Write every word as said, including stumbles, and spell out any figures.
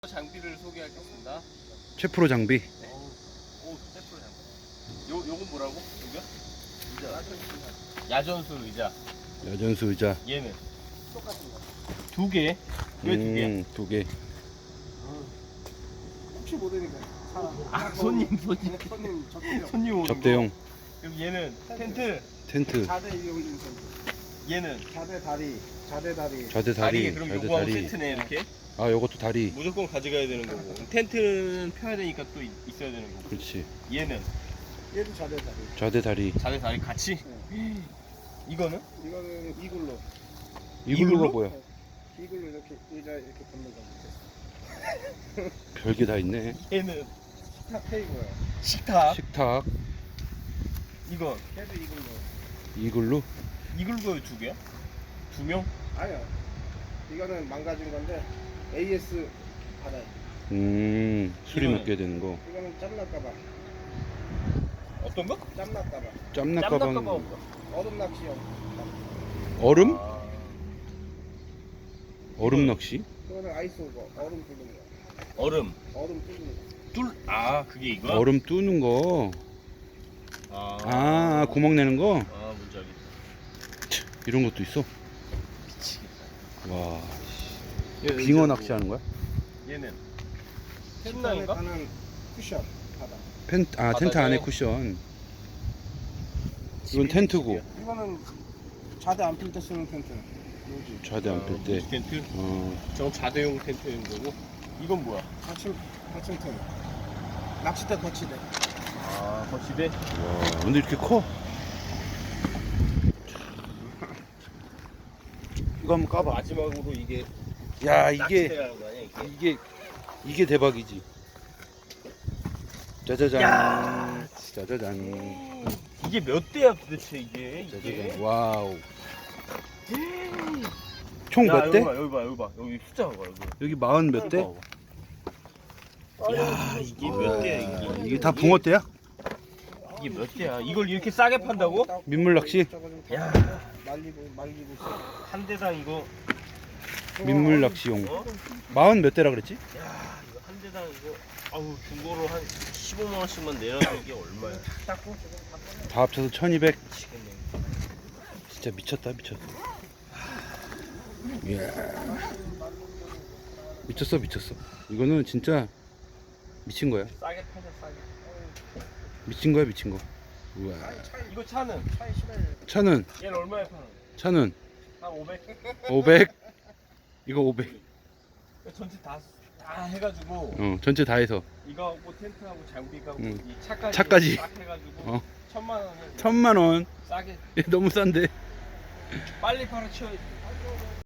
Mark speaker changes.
Speaker 1: 장비를 소개하겠습니다.
Speaker 2: 최프로 장비.
Speaker 1: 네. 오, 최프로 장비. 요 요건 뭐라고? 여기요? 의자. 야전수 의자.
Speaker 2: 여전수 의자.
Speaker 1: 얘는 똑같은 거. 두 개. 왜 두 개?
Speaker 2: 음, 두 개.
Speaker 3: 혹시 모르니까 사람.
Speaker 1: 아, 손님 손님
Speaker 3: 손님 접대용.
Speaker 1: 손님 오는
Speaker 2: 접대용.
Speaker 1: 거. 그럼 얘는 텐트.
Speaker 2: 텐트.
Speaker 3: 자대 위에 올린 텐트.
Speaker 1: 얘는
Speaker 3: 자대 다리. 자대 다리.
Speaker 2: 좌대
Speaker 1: 다리.
Speaker 2: 다리.
Speaker 1: 그럼
Speaker 2: 좌대
Speaker 1: 요거하고
Speaker 2: 다리.
Speaker 1: 텐트네 이렇게.
Speaker 2: 아, 요것도 다리.
Speaker 1: 무조건 가져가야 되는 거고. 텐트는 펴야 되니까 또 있- 있어야 되는 거고.
Speaker 2: 그렇지.
Speaker 1: 얘는
Speaker 3: 얘도 자대 다리.
Speaker 2: 좌대 다리.
Speaker 1: 자네 다리 같이.
Speaker 3: 네.
Speaker 1: 이거는
Speaker 3: 이거는 이글로.
Speaker 2: 이글루가
Speaker 1: 이글루?
Speaker 2: 뭐야?
Speaker 3: 이글로 이렇게 의자 이렇게 붙는 거.
Speaker 2: 별게 다 있네.
Speaker 1: 얘는
Speaker 3: 식탁 테이블.
Speaker 1: 식탁.
Speaker 2: 식탁.
Speaker 1: 이건
Speaker 3: 걔도 이글로.
Speaker 2: 이글루.
Speaker 1: 이글루가 두 개야? 두 명?
Speaker 3: 아니야. 이거는 망가진 건데 에이에스 받아요.
Speaker 2: 음, 수리
Speaker 1: 이거는?
Speaker 2: 맡겨야 되는 거.
Speaker 3: 이거는 짬날까봐.
Speaker 1: 어떤 거?
Speaker 3: 짬날까봐.
Speaker 2: 짬낙
Speaker 1: 짬낚아봐
Speaker 2: 가방.
Speaker 1: 뭐야?
Speaker 3: 얼음 낚시용.
Speaker 2: 얼음?
Speaker 1: 아,
Speaker 2: 얼음 낚시?
Speaker 3: 그거는 아이스 오버. 얼음 뚫는 거.
Speaker 1: 얼음.
Speaker 3: 얼음 뚫는 거.
Speaker 1: 뚫. 아, 그게 이거야?
Speaker 2: 얼음 뚜는 거.
Speaker 1: 아,
Speaker 2: 아, 구멍 내는 거?
Speaker 1: 아, 뭔지 알겠다.
Speaker 2: 이런 것도 있어.
Speaker 1: 미치겠다.
Speaker 2: 와,
Speaker 1: 얘
Speaker 2: 빙어
Speaker 1: 의자고,
Speaker 2: 낚시하는 거야?
Speaker 1: 얘는
Speaker 3: 텐트 안에
Speaker 1: 침낭인가?
Speaker 3: 가는 쿠션 바다.
Speaker 2: 펜, 아, 텐트
Speaker 1: 바닥에?
Speaker 2: 안에 쿠션. 이건 텐트고.
Speaker 3: 이거는 자대 안 필 때 쓰는 텐트. 요지.
Speaker 2: 좌대 안 필 때.
Speaker 1: 아, 텐트.
Speaker 2: 어,
Speaker 1: 저건 자대용 텐트인 거고. 이건 뭐야?
Speaker 3: 받침 받침 텐트. 낚싯대 거치대.
Speaker 1: 아, 거치대.
Speaker 2: 와, 근데 이렇게 커? 이거 한번 까봐.
Speaker 1: 마지막으로 이게
Speaker 2: 야, 이게
Speaker 1: 낚시대라는 거 아니야? 이게.
Speaker 2: 이게 이게 대박이지. 짜자잔.
Speaker 1: 야.
Speaker 2: 짜자잔.
Speaker 1: 이게 몇 대야 도대체 이게? 이게.
Speaker 2: 짜자잔. 와우. 총
Speaker 1: 야,
Speaker 2: 몇
Speaker 1: 여기
Speaker 2: 대?
Speaker 1: 봐, 여기 봐, 여기 봐. 여기 숫자 봐, 여기.
Speaker 2: 여기 마흔 몇 대?
Speaker 1: 야, 이게 몇 대야 이게?
Speaker 2: 이게 다 붕어 대야?
Speaker 1: 이게 몇 대야? 이걸 이렇게 싸게 판다고?
Speaker 2: 민물 낚시?
Speaker 1: 야.
Speaker 3: 말리고 말리고 있어.
Speaker 1: 한 대당 이거.
Speaker 2: 민물 낚시용.
Speaker 1: 어?
Speaker 2: 마흔 몇 대라 그랬지?
Speaker 1: 야, 이거 한 대당 이거. 아우, 중고로 한 십오만 원씩만 내놔도 이게 얼마야?
Speaker 2: 다 합쳐서 천이백.
Speaker 1: 미치겠네.
Speaker 2: 진짜 미쳤다, 미쳤어. 이야. 미쳤어, 미쳤어. 이거는 진짜 미친 거야.
Speaker 1: 싸게 파자, 싸게.
Speaker 2: 미친 거야, 미친 거. 우와.
Speaker 1: 이거 차는?
Speaker 3: 차에 실어야
Speaker 2: 차는
Speaker 1: 얘는 얼마에 파는?
Speaker 2: 차는
Speaker 1: 한 오백?
Speaker 2: 오백. 이거 오백.
Speaker 1: 전체 다, 다 해가지고
Speaker 2: 어, 전체 다 해서
Speaker 1: 이거하고 텐트하고 장비하고
Speaker 2: 응.
Speaker 1: 이 차까지
Speaker 2: 차까지.
Speaker 1: 싹 해가지고
Speaker 2: 어.
Speaker 1: 천만 원에
Speaker 2: 천만 원.
Speaker 1: 싸게
Speaker 2: 너무 싼데.
Speaker 1: 빨리 팔아 치워야지.